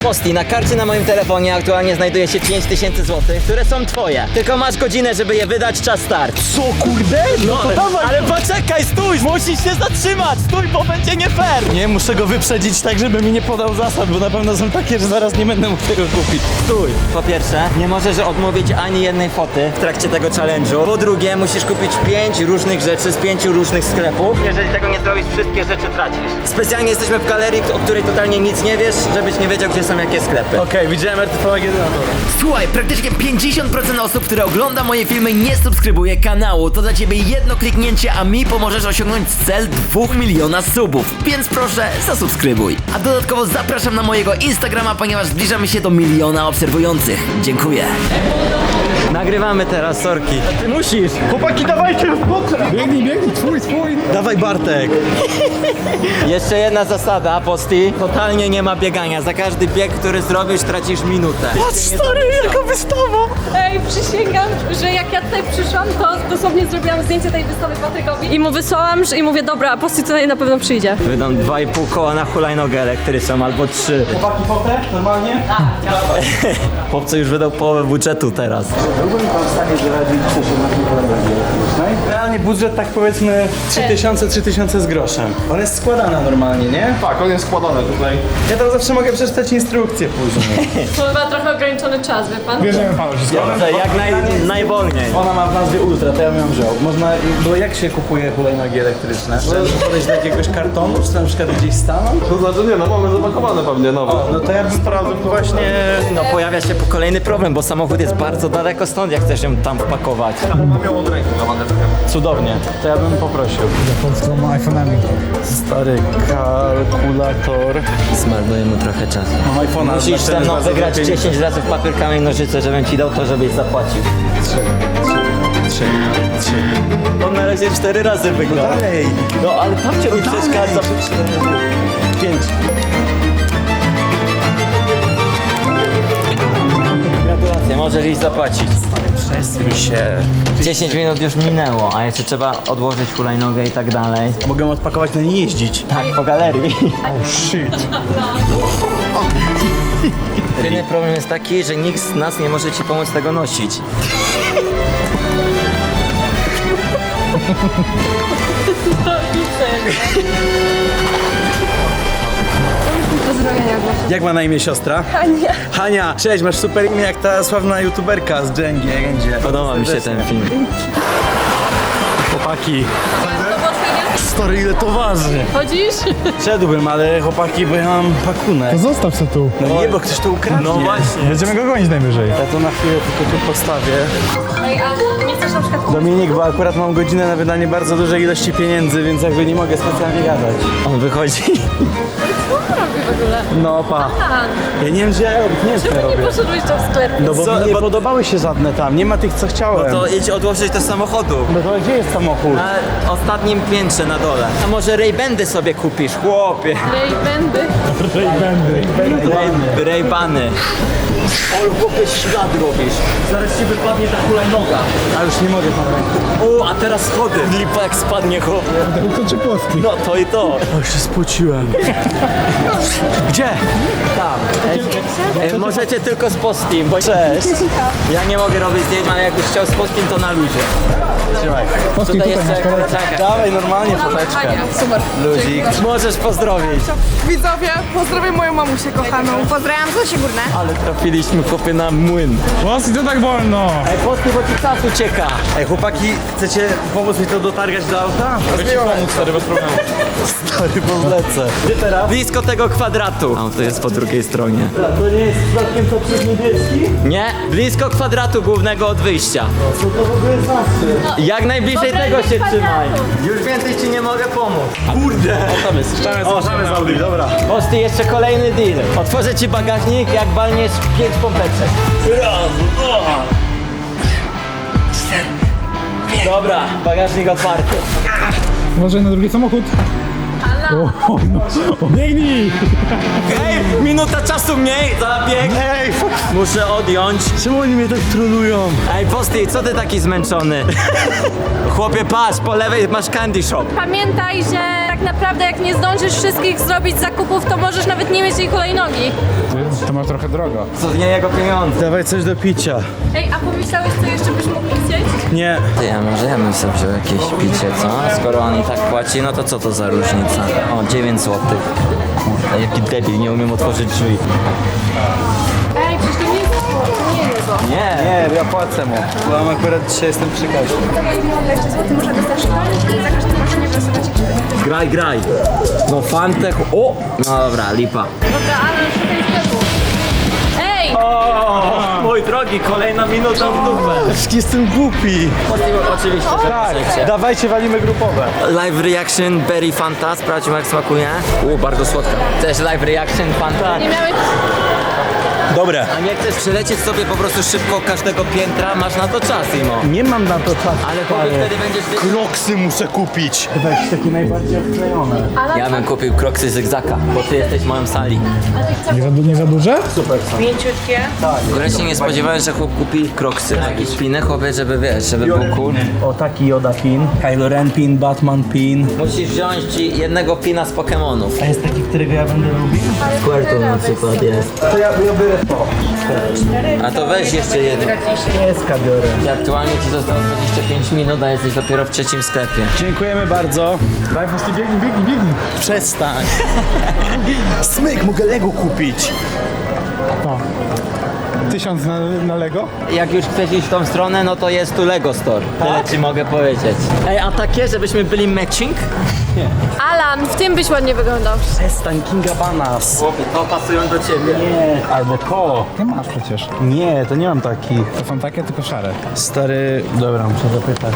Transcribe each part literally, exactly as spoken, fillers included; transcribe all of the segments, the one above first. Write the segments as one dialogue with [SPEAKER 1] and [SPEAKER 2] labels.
[SPEAKER 1] Posty, na karcie na moim telefonie aktualnie znajduje się pięć tysięcy złotych, które są twoje. Tylko masz godzinę, żeby je wydać, czas start.
[SPEAKER 2] Co, kurde? No to dawaj.
[SPEAKER 1] Ale poczekaj, stój, musisz się zatrzymać, stój, bo będzie nie fair.
[SPEAKER 2] Nie, muszę go wyprzedzić tak, żeby mi nie podał zasad, bo na pewno są takie, że zaraz nie będę mógł tego kupić.
[SPEAKER 1] Stój. Po pierwsze, nie możesz odmówić ani jednej foty w trakcie tego challenge'u. Po drugie, musisz kupić pięć różnych rzeczy z pięciu różnych sklepów. Jeżeli tego nie zrobisz, wszystkie rzeczy tracisz. Specjalnie jesteśmy w galerii, o której totalnie nic nie wiesz, żebyś nie wiedział, gdzie są jakie sklepy.
[SPEAKER 2] Okej, okay, widziałem R T V jeden na dole.
[SPEAKER 3] Słuchaj, praktycznie pięćdziesiąt procent osób, które ogląda moje filmy, nie subskrybuje kanału. To dla ciebie jedno kliknięcie, a mi pomożesz osiągnąć cel dwóch miliona subów. Więc proszę, zasubskrybuj. A dodatkowo zapraszam na mojego Instagrama, ponieważ zbliżamy się do miliona obserwujących. Dziękuję.
[SPEAKER 1] Nagrywamy teraz, sorki.
[SPEAKER 2] Ty musisz. Chłopaki, dawajcie w potrę. Biegnij, biegnij, twój, twój. Dawaj, Bartek.
[SPEAKER 1] Jeszcze jedna zasada, Posty. Totalnie nie ma biegania. Za każdy bieg, który zrobisz, tracisz minutę.
[SPEAKER 2] Patrz, stary, jaka wystawa.
[SPEAKER 4] Ej, przysięgam, że jak ja tutaj przyszłam, to dosłownie zrobiłam zdjęcie tej wystawy Patrykowi i mu wysłałam, że i mówię, dobra, Posty tutaj na pewno przyjdzie.
[SPEAKER 1] Wydam dwa i pół koła na hulajnogę elektryczną albo trzy.
[SPEAKER 2] Chłopaki, fotę? Normalnie?
[SPEAKER 1] Chłopcy już wydał połowę budżetu teraz.
[SPEAKER 2] Byłbym pan w stanie zaradzić coś na hulajnodze elektrycznej? Realnie budżet tak powiedzmy trzy tysiące, trzy tysiące z groszem. On jest składana normalnie, nie?
[SPEAKER 5] Tak, on jest składany tutaj.
[SPEAKER 2] Ja tam zawsze mogę przeczytać instrukcję później.
[SPEAKER 4] To chyba trochę ograniczony czas, wie pan?
[SPEAKER 5] Bierzemy panu się
[SPEAKER 1] Dobrze, jak naj, najwolniej.
[SPEAKER 2] Ona ma w nazwie Ultra, to ja bym ją wziął. Można, bo jak się kupuje hulajnogi elektryczne? Trzeba podejść do jakiegoś kartonu, czy tam na przykład gdzieś stanąć?
[SPEAKER 5] To znaczy nie, no mamy zapakowane pewnie nowe.
[SPEAKER 2] No to ja bym sprawdził właśnie...
[SPEAKER 1] No pojawia się kolejny problem, bo samochód jest bardzo daleko stąd, jak chcesz ją tam wpakować.
[SPEAKER 5] Mam ją od ręki na manetkę.
[SPEAKER 2] Cudownie, to ja bym poprosił.
[SPEAKER 6] Japońską iPhone'ami.
[SPEAKER 2] Stary kalkulator.
[SPEAKER 1] Zmarnuję mu trochę czasu.
[SPEAKER 2] Mam iPhone'a.
[SPEAKER 1] Musisz
[SPEAKER 2] znaczy,
[SPEAKER 1] ze mną
[SPEAKER 2] bardzo
[SPEAKER 1] wygrać
[SPEAKER 2] lepiej.
[SPEAKER 1] dziesięć razy w papier, kamień, nożyce, żebym ci dał to, żebyś zapłacił.
[SPEAKER 2] Trzy, trzy.
[SPEAKER 1] On na razie cztery razy wygrał.
[SPEAKER 2] Dalej.
[SPEAKER 1] No ale babcia mi przeszkadza.
[SPEAKER 2] Pięć.
[SPEAKER 1] Gratulacje, możesz iść zapłacić.
[SPEAKER 2] Przesuń się.
[SPEAKER 1] dziesięć minut już minęło, a jeszcze trzeba odłożyć hulajnogę i tak dalej.
[SPEAKER 2] Mogę odpakować, na nie jeździć.
[SPEAKER 1] Tak, po galerii.
[SPEAKER 2] Shit.
[SPEAKER 1] Jedyny problem jest taki, że nikt z nas nie może ci pomóc tego nosić.
[SPEAKER 2] Jak ma na imię siostra? Hania. Hania, cześć, masz super imię jak ta sławna youtuberka z Dżengi, Gędzie.
[SPEAKER 1] Podoba mi się ten film.
[SPEAKER 2] Chłopaki,
[SPEAKER 4] No bo ty
[SPEAKER 2] stary, ile to waży?
[SPEAKER 4] chodzisz?
[SPEAKER 2] Szedłbym, ale chłopaki, bo ja mam pakunek.
[SPEAKER 6] To zostaw se tu.
[SPEAKER 2] No nie, bo ktoś to ukradnie.
[SPEAKER 1] No właśnie.
[SPEAKER 6] Będziemy go gonić najwyżej.
[SPEAKER 2] Ja to na chwilę tylko tu postawię.
[SPEAKER 4] Ej, a nie chcesz na przykład kupić?
[SPEAKER 2] Dominik, bo akurat mam godzinę na wydanie bardzo dużej ilości pieniędzy, więc jakby nie mogę specjalnie gadać.
[SPEAKER 1] On wychodzi.
[SPEAKER 4] Co robi w ogóle?
[SPEAKER 2] No pa.
[SPEAKER 4] A,
[SPEAKER 2] Ja nie wiem, gdzie ja robię, nie wiem, co ja
[SPEAKER 4] czemu nie
[SPEAKER 2] robię.
[SPEAKER 4] poszedłeś do sklepu?
[SPEAKER 2] No bo
[SPEAKER 1] Co?
[SPEAKER 2] mi nie
[SPEAKER 1] Bo-
[SPEAKER 2] podobały się żadne tam, nie ma tych, co chciałem.
[SPEAKER 1] To idź odłożyć do samochodu.
[SPEAKER 2] No to gdzie jest samochód?
[SPEAKER 1] Na ostatnim piętrze na dole. A może Ray-Bandy sobie kupisz, chłopie?
[SPEAKER 4] Ej, będę.
[SPEAKER 1] Ray- Ray-Bany. O, chłopie, ślad robisz. Zaraz ci wypadnie ta hulajnoga.
[SPEAKER 2] A już nie mogę tam ręki.
[SPEAKER 1] O, a teraz schody. Lipa jak spadnie, chłopie.
[SPEAKER 6] To czy Polski?
[SPEAKER 1] No to i to.
[SPEAKER 2] O, się spociłem. Gdzie?
[SPEAKER 1] Tam. E, e, możecie tylko z Postim, bo cześć. Ja nie mogę robić zdjęć, ale jakbyś chciał z Postim, to na luzie.
[SPEAKER 2] Trzymaj.
[SPEAKER 6] Polski tutaj masz
[SPEAKER 1] jeszcze
[SPEAKER 6] teraz.
[SPEAKER 1] czekaj.
[SPEAKER 2] Dawaj, normalnie foteczkę.
[SPEAKER 4] Fajnie, super.
[SPEAKER 1] Luzik. Możesz pozdrowić.
[SPEAKER 7] Widzowie, pozdrawiam moją mamusię kochaną. Pozdrawiam Zosię Górne.
[SPEAKER 1] Ale trafiliśmy, chłopie, na młyn.
[SPEAKER 6] Polski to tak wolno.
[SPEAKER 1] Ej, Posti, bo ci czas ucieka.
[SPEAKER 2] Ej, chłopaki, chcecie pomóc mi to dotargać do auta?
[SPEAKER 5] Pomóc, stary, bez problemu.
[SPEAKER 1] Stary, bo lecę. Gdzie teraz? Blisko tego kwadratu. A on to jest po drugiej stronie.
[SPEAKER 2] To nie jest przypadkiem to przez niebieski?
[SPEAKER 1] Nie, blisko kwadratu głównego od wyjścia.
[SPEAKER 2] Co to w ogóle znaczy?
[SPEAKER 1] Jak najbliżej
[SPEAKER 4] Obrębie
[SPEAKER 1] tego się
[SPEAKER 4] kwadratu.
[SPEAKER 1] trzymaj. Już więcej ci nie mogę pomóc.
[SPEAKER 2] Kurde! O, tam jest, ściany z Audi, dobra.
[SPEAKER 1] Posty, jeszcze kolejny deal. Otworzę ci bagażnik, jak balniesz pięć pompeczek. Raz, dwa. Dobra, bagażnik otwarty.
[SPEAKER 6] Uważaj na drugi samochód. O, o, no. O, biegnij!
[SPEAKER 1] Ej, minuta czasu mniej, zabieg.
[SPEAKER 2] Ej, fuck.
[SPEAKER 1] Muszę odjąć.
[SPEAKER 2] Czemu oni mnie tak trolują?
[SPEAKER 1] Ej, Posty, co ty taki zmęczony? Chłopie, patrz, po lewej masz candy shop.
[SPEAKER 4] Pamiętaj, że tak naprawdę jak nie zdążysz wszystkich zrobić zakupów, to możesz nawet nie mieć tej hulajnogi.
[SPEAKER 6] To, to ma trochę drogo.
[SPEAKER 1] To nie jego pieniądze.
[SPEAKER 2] Dawaj coś do picia.
[SPEAKER 4] Ej, a pomyślałeś, co jeszcze byś mógł chcieć?
[SPEAKER 2] Nie.
[SPEAKER 1] Ty, ja może ja bym sobie wziął jakieś picie, co? Skoro on i tak płaci, no to co to za różnica? O, dziewięć złotych. A jaki debil, nie umiem otworzyć drzwi.
[SPEAKER 4] Ej, przecież to nie jest to nie jest zło.
[SPEAKER 1] Nie.
[SPEAKER 2] Nie, ja płacę mu. Bo mam akurat dzisiaj jestem przy kasie.
[SPEAKER 7] dwadzieścia złotych muszę dostać szkolnik i za każdym razem nie wysuwać ich.
[SPEAKER 1] Graj, graj. No fantech. O! No dobra, lipa.
[SPEAKER 4] Dobra, ale szukaj sklepu. Ej!
[SPEAKER 1] O, mój drogi, kolejna minuta w dupę.
[SPEAKER 2] Jestem głupi.
[SPEAKER 1] Oczywiście, że
[SPEAKER 2] Tak,
[SPEAKER 1] chcecie.
[SPEAKER 2] dawajcie, walimy grupowe.
[SPEAKER 1] Live reaction Berry Fanta, sprawdźmy jak smakuje. U, bardzo słodka. Chcesz live reaction Fanta?
[SPEAKER 4] Nie miałeś...
[SPEAKER 2] Dobre.
[SPEAKER 1] A nie chcesz przelecieć sobie po prostu szybko każdego piętra? Masz na to czas, Imo.
[SPEAKER 2] Nie mam na to czasu.
[SPEAKER 1] Ale chłopie, wtedy będziesz...
[SPEAKER 2] Kroksy muszę kupić. Chyba jakieś takie najbardziej odklejone.
[SPEAKER 1] Ja bym kupił kroksy zygzaka, bo ty jesteś moją sali.
[SPEAKER 6] Nie za, du- nie za duże?
[SPEAKER 7] Mięciutkie.
[SPEAKER 1] W ogóle się nie spodziewałem, że chłop kupi kroksy. Jakieś piny, chłopie, żeby wiesz, żeby był cool.
[SPEAKER 2] O, taki Yoda pin. Kylo Ren pin, Batman pin.
[SPEAKER 1] Musisz wziąć ci jednego pina z Pokemonów.
[SPEAKER 2] A jest taki, którego ja będę lubił?
[SPEAKER 1] Squirtle na przykład jest.
[SPEAKER 2] To ja, ja biorę to.
[SPEAKER 1] A to weź jeszcze jeden.
[SPEAKER 2] Pieska biorę.
[SPEAKER 1] I aktualnie ci zostało dwadzieścia pięć minut, a jesteś dopiero w trzecim sklepie.
[SPEAKER 2] Dziękujemy bardzo.
[SPEAKER 6] Daj, Fosty, biegnij, biegnij, biegnij.
[SPEAKER 2] Przestań. Smyk, mogę Lego kupić.
[SPEAKER 6] O. Tysiąc na, na Lego?
[SPEAKER 1] Jak już chcesz iść w tą stronę, no to jest tu Lego Store. Tyle ci mogę powiedzieć. Ej, a takie, żebyśmy byli matching?
[SPEAKER 4] Alan, w tym byś ładnie wyglądał.
[SPEAKER 2] Przestań, Kinga Banas.
[SPEAKER 1] Chłopie, to pasują do ciebie.
[SPEAKER 2] Nie, albo to.
[SPEAKER 6] Ty masz przecież.
[SPEAKER 2] Nie, to nie mam takich.
[SPEAKER 6] To są takie, tylko szare.
[SPEAKER 2] Stary... Dobra, muszę zapytać.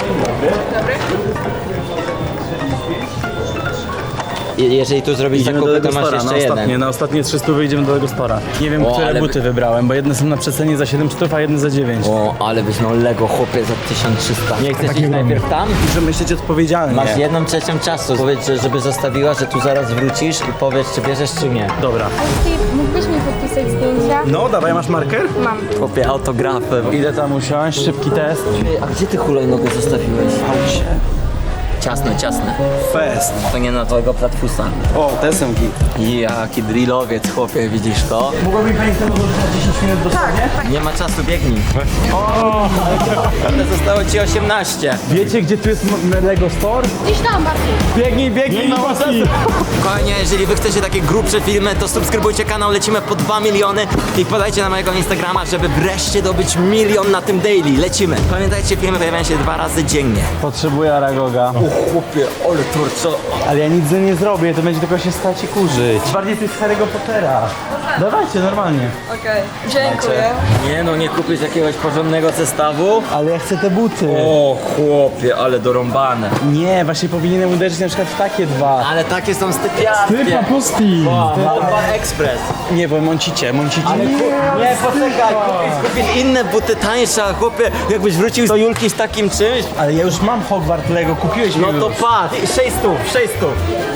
[SPEAKER 1] Je- Jeżeli tu zrobisz
[SPEAKER 2] Idziemy do
[SPEAKER 1] zakupy, to
[SPEAKER 2] Lego
[SPEAKER 1] masz
[SPEAKER 2] Stora,
[SPEAKER 1] jeszcze
[SPEAKER 2] na ostatnie,
[SPEAKER 1] jeden.
[SPEAKER 2] na ostatnie trzysta wyjdziemy do Lego Stora. Nie wiem,
[SPEAKER 1] O,
[SPEAKER 2] które
[SPEAKER 1] ale
[SPEAKER 2] buty
[SPEAKER 1] by-
[SPEAKER 2] wybrałem, bo jedne są na przecenie za siedem stów, a jedne za dziewięć.
[SPEAKER 1] O, ale byś miał Lego, chłopie, za tysiąc trzysta. Nie chcesz iść najpierw tam?
[SPEAKER 2] Muszę myśleć odpowiedzialnie.
[SPEAKER 1] Masz jedną trzecią czasu. Powiedz, że- żeby zostawiła, że tu zaraz wrócisz i powiedz, czy bierzesz, czy nie.
[SPEAKER 2] Dobra.
[SPEAKER 7] Ty mógłbyś mi podpisać zdjęcia?
[SPEAKER 2] No, dawaj, masz marker?
[SPEAKER 7] Mam.
[SPEAKER 1] Chłopie, autografy.
[SPEAKER 2] Idę tam usiąść, szybki test.
[SPEAKER 1] A gdzie ty hulajnogę zostawiłeś? Ciasne, ciasne.
[SPEAKER 2] Fest.
[SPEAKER 1] To nie na twojego platfusa.
[SPEAKER 2] O, te są git.
[SPEAKER 1] Jaki drillowiec, chłopie, widzisz to?
[SPEAKER 2] Mogłaby pani to odłożyć na dziesięć minut do tak.
[SPEAKER 1] Nie ma czasu, biegnij. Ale zostało ci osiemnaście.
[SPEAKER 2] Wiecie, gdzie tu jest m- Lego Store?
[SPEAKER 7] Gdzieś tam bardziej.
[SPEAKER 2] Biegnij, biegnij, no
[SPEAKER 1] Kochanie, jeżeli wy chcecie takie grubsze filmy, to subskrybujcie kanał, lecimy po dwa miliony i podajcie na mojego Instagrama, żeby wreszcie dobyć milion na tym daily. Lecimy. Pamiętajcie, filmy pojawiają się dwa razy dziennie.
[SPEAKER 2] Potrzebuję Aragoga.
[SPEAKER 1] Chłopie, ale turco.
[SPEAKER 2] Ale ja nic z nim nie zrobię, to będzie tylko się stać i kurzyć. Bardziej to jest Harry'ego Pottera. Dawajcie, normalnie.
[SPEAKER 7] Okej, dziękuję.
[SPEAKER 1] Nie no, nie kupisz jakiegoś porządnego zestawu?
[SPEAKER 2] Ale ja chcę te buty.
[SPEAKER 1] O chłopie, ale dorąbane.
[SPEAKER 2] Nie, właśnie powinienem uderzyć na przykład w takie dwa.
[SPEAKER 1] Ale takie są stypiarskie.
[SPEAKER 6] Typa Posty!
[SPEAKER 1] Małpa Express.
[SPEAKER 2] Nie, bo mącicie, mącicie.
[SPEAKER 1] Ale ku... nie, poczekaj, kupisz, kupisz inne buty tańsze, a chłopie, jakbyś wrócił do Julki z takim czymś,
[SPEAKER 2] Ale ja już mam Hogwart Lego, kupiłeś mi
[SPEAKER 1] no
[SPEAKER 2] już.
[SPEAKER 1] to patrz, sześć stów, sześć stów.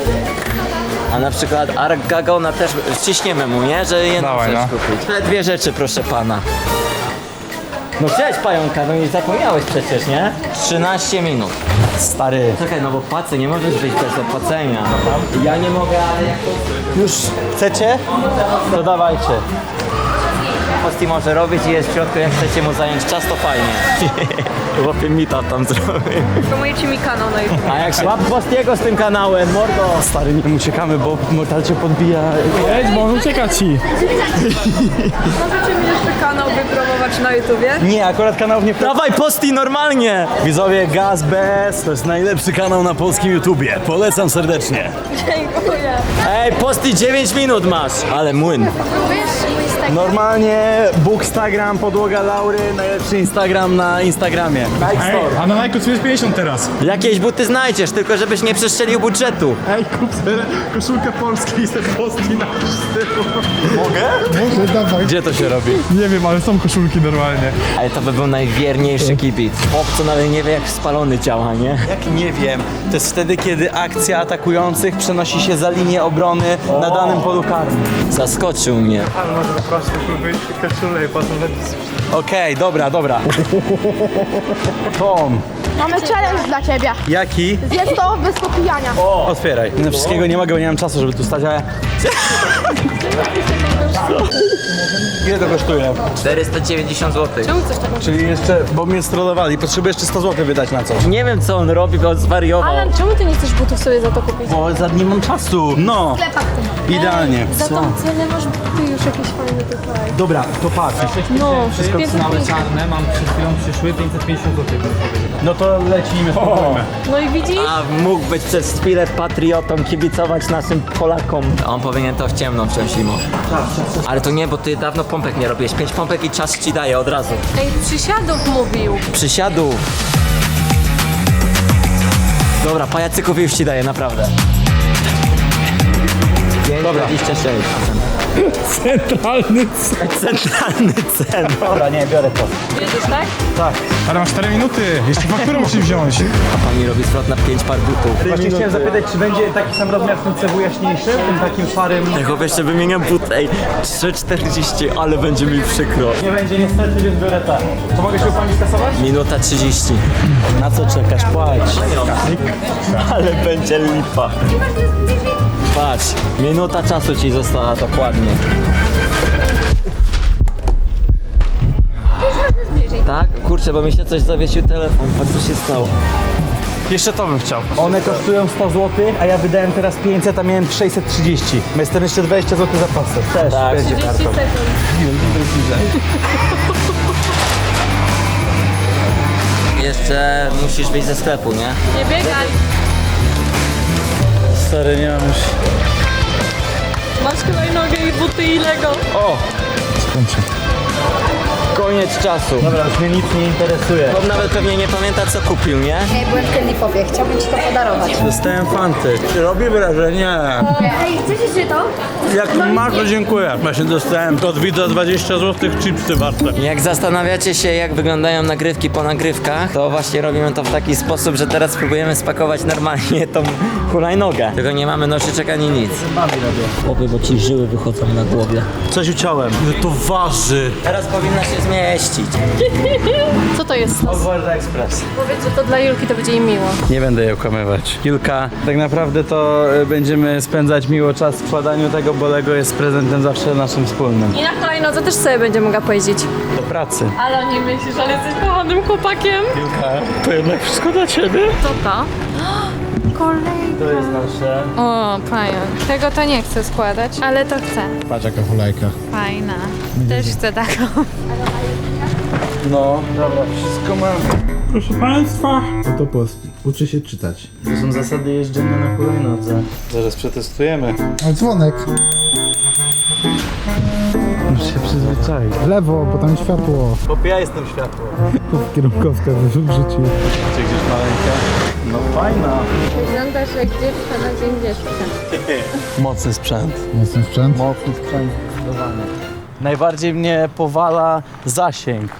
[SPEAKER 1] A na przykład Ark Gagona też ściśniemy mu, nie? Że jedną
[SPEAKER 6] Dawaj,
[SPEAKER 1] rzecz
[SPEAKER 6] no.
[SPEAKER 1] kupić. Te dwie rzeczy, proszę pana. No cześć pająka, no nie zapomniałeś przecież, nie? trzynaście minut.
[SPEAKER 2] Stary.
[SPEAKER 1] Czekaj, no bo płacę, nie możesz być bez opłacenia. Ja nie mogę, ale jak to...
[SPEAKER 2] Już chcecie? To dawajcie.
[SPEAKER 1] Posty może robić i jest w środku, jak chcecie mu zająć czas, to fajnie. Chłopie mita tam zrobił.
[SPEAKER 7] Promujecie mi kanał na YouTube.
[SPEAKER 1] A jak się... Łap Postiego z tym kanałem, mordo!
[SPEAKER 2] Stary, nie uciekamy, bo Mortal cię podbija.
[SPEAKER 6] Jedź, bo on ucieka ci!
[SPEAKER 7] Możecie mi jeszcze kanał wypromować na YouTubie?
[SPEAKER 2] Nie, akurat kanał nie...
[SPEAKER 1] Dawaj Posty normalnie!
[SPEAKER 2] Widzowie, Gaz Bez to jest najlepszy kanał na polskim YouTubie. Polecam serdecznie.
[SPEAKER 7] Dziękuję.
[SPEAKER 1] Ej, Posty dziewięć minut masz! Ale młyn.
[SPEAKER 7] Wiesz, mój Instagram?
[SPEAKER 2] Normalnie Bookstagram, podłoga Laury, najlepszy Instagram na Instagramie. Nike
[SPEAKER 6] Ej,
[SPEAKER 2] Store.
[SPEAKER 6] a na Nike jest pięćdziesiąt teraz!
[SPEAKER 1] Jakieś buty znajdziesz, tylko żebyś nie przestrzelił budżetu.
[SPEAKER 6] Ej, kup sobie koszulkę polskiej i sobie Posty na stylu. Mogę? Może, dawaj.
[SPEAKER 2] Gdzie to się robi?
[SPEAKER 6] Nie wiem, ale są koszulki normalnie.
[SPEAKER 1] Ale to by był najwierniejszy kibic. Chłop, co nawet nie wie, jak spalony działa, nie?
[SPEAKER 2] Jak nie wiem, to jest wtedy, kiedy akcja atakujących przenosi się za linię obrony na danym polu karnym.
[SPEAKER 1] Zaskoczył mnie.
[SPEAKER 6] Może po prostu wyjść koszulę i potem
[SPEAKER 2] Okej, dobra, dobra. Tom,
[SPEAKER 7] Mamy challenge dla ciebie.
[SPEAKER 2] Jaki?
[SPEAKER 7] Zjedz to bez popijania.
[SPEAKER 2] O, otwieraj. No wszystkiego nie mogę, bo nie mam czasu, żeby tu stać, ale... Ile to kosztuje?
[SPEAKER 1] czterysta dziewięćdziesiąt złotych.
[SPEAKER 4] Czemu coś takiego?
[SPEAKER 2] Czyli jeszcze, bo mnie strollowali, potrzebuję jeszcze sto złotych wydać na coś.
[SPEAKER 1] Nie wiem co on robi, bo on zwariował.
[SPEAKER 4] Alan, czemu ty nie chcesz butów sobie za to kupić?
[SPEAKER 2] Bo za nie mam czasu. No, idealnie.
[SPEAKER 4] Za tą cenę masz buty już jakieś fajne tutaj.
[SPEAKER 2] Dobra, to patrz.
[SPEAKER 4] No,
[SPEAKER 6] Wszystko
[SPEAKER 4] pięćset
[SPEAKER 6] całe
[SPEAKER 4] pięćdziesiąt.
[SPEAKER 6] czarne, mam przed chwilą przyszły pięćset pięćdziesiąt złotych.
[SPEAKER 2] No to lecimy, spróbujmy.
[SPEAKER 4] No i widzisz?
[SPEAKER 1] A mógł być przez chwilę patriotą, kibicować naszym Polakom. A on powinien to w ciemno wziąć zimą. Ale to nie, bo ty dawno pompek nie robiłeś. Pięć pompek i czas ci daje od razu.
[SPEAKER 4] Ej, przysiadów mówił.
[SPEAKER 1] Przysiadów. Dobra, pajacyków już ci daję, naprawdę. pięć dwadzieścia sześć.
[SPEAKER 2] Centralny
[SPEAKER 1] Centralny cen. Dobra, nie, biorę to.
[SPEAKER 4] Jedziesz tak?
[SPEAKER 6] Ale masz cztery minuty, jeszcze fakturę musisz wziąć.
[SPEAKER 1] A pani robi zwrot na pięć par butów.
[SPEAKER 2] Właśnie chciałem zapytać, czy będzie taki sam rozmiar w tym cebu jaśniejszy, tym takim szarym?
[SPEAKER 1] Tylko jeszcze wymieniam but, ej, trzy czterdzieści, ale będzie mi przykro.
[SPEAKER 2] Nie będzie niestety, więc biorę tak. To mogę się u pani skasować?
[SPEAKER 1] Minuta trzydzieści.
[SPEAKER 2] Na co czekasz? Płać.
[SPEAKER 1] Ale będzie lipa. Patrz, minuta czasu ci została dokładnie. Tak? Kurczę, bo mi się coś zawiesił telefon. Patrz co się stało.
[SPEAKER 2] Jeszcze to bym chciał. One kosztują sto złotych, a ja wydałem teraz pięćset, a miałem sześćset trzydzieści. Ma jestem jeszcze dwadzieścia złotych zapasów. Też
[SPEAKER 1] Tak.
[SPEAKER 2] będzie
[SPEAKER 4] trzydzieści
[SPEAKER 2] kartą.
[SPEAKER 4] sekund.
[SPEAKER 1] Jeszcze musisz wyjść ze sklepu, nie?
[SPEAKER 4] Nie biegaj.
[SPEAKER 2] Stary, nie mam już...
[SPEAKER 4] Masz hulajnogę i buty i Lego.
[SPEAKER 1] O! Koniec czasu.
[SPEAKER 2] Dobra, już mnie nic nie interesuje.
[SPEAKER 1] Bob nawet pewnie nie pamięta co kupił, nie?
[SPEAKER 8] Ej, byłem w Candy Popie, chciałbym ci to podarować.
[SPEAKER 2] Dostałem fanty. Robi wrażenie.
[SPEAKER 8] Ej, chcecie się to?
[SPEAKER 2] Jak masz, to dziękuję. Właśnie dostałem od widza dwadzieścia złotych, chipsy warte.
[SPEAKER 1] Jak zastanawiacie się, jak wyglądają nagrywki po nagrywkach, to właśnie robimy to w taki sposób, że teraz spróbujemy spakować normalnie tą hulajnogę. Tylko nie mamy nożyczek ani nic. Chłopie, bo ci żyły wychodzą na głowie.
[SPEAKER 2] Coś uciąłem. Ile to waży?
[SPEAKER 1] Teraz powinna się zmieścić.
[SPEAKER 4] Co to jest?
[SPEAKER 2] World Express.
[SPEAKER 4] Powiedz, że to dla Julki to będzie jej miło.
[SPEAKER 2] Nie będę jej okłamywać. Julka, tak naprawdę to e, będziemy spędzać miło czas w składaniu tego, bo Lego jest prezentem zawsze naszym wspólnym.
[SPEAKER 4] I na hulajnodze też sobie będzie mogła pojeździć.
[SPEAKER 2] Do pracy.
[SPEAKER 4] Ale nie myślisz, ale jesteś kochanym chłopakiem.
[SPEAKER 2] Julka, to jednak wszystko dla ciebie.
[SPEAKER 4] Co to? Kolejka.
[SPEAKER 2] To jest nasze.
[SPEAKER 7] O, pająk. Tego to nie chcę składać, ale to chcę.
[SPEAKER 6] Patrz jaka hulajka.
[SPEAKER 7] Fajna. Też chcę taką.
[SPEAKER 2] No, dobra, wszystko mam.
[SPEAKER 6] Proszę Państwa. Oto post. Uczy się czytać.
[SPEAKER 2] To są zasady jeżdżenia na hulajnodze. Zaraz przetestujemy.
[SPEAKER 6] A dzwonek.
[SPEAKER 2] Muszę się przyzwyczaić.
[SPEAKER 6] W lewo, bo tam światło.
[SPEAKER 2] Bo ja jestem światło.
[SPEAKER 6] Kierunkowska w życiu.
[SPEAKER 2] Czy gdzieś maleńka? No fajna.
[SPEAKER 4] Wyglądasz jak dziewczę na dzień dziewczę.
[SPEAKER 2] Mocny sprzęt.
[SPEAKER 6] Mocny sprzęt.
[SPEAKER 2] Mocny sprzęt zdecydowanie. Najbardziej mnie powala zasięg.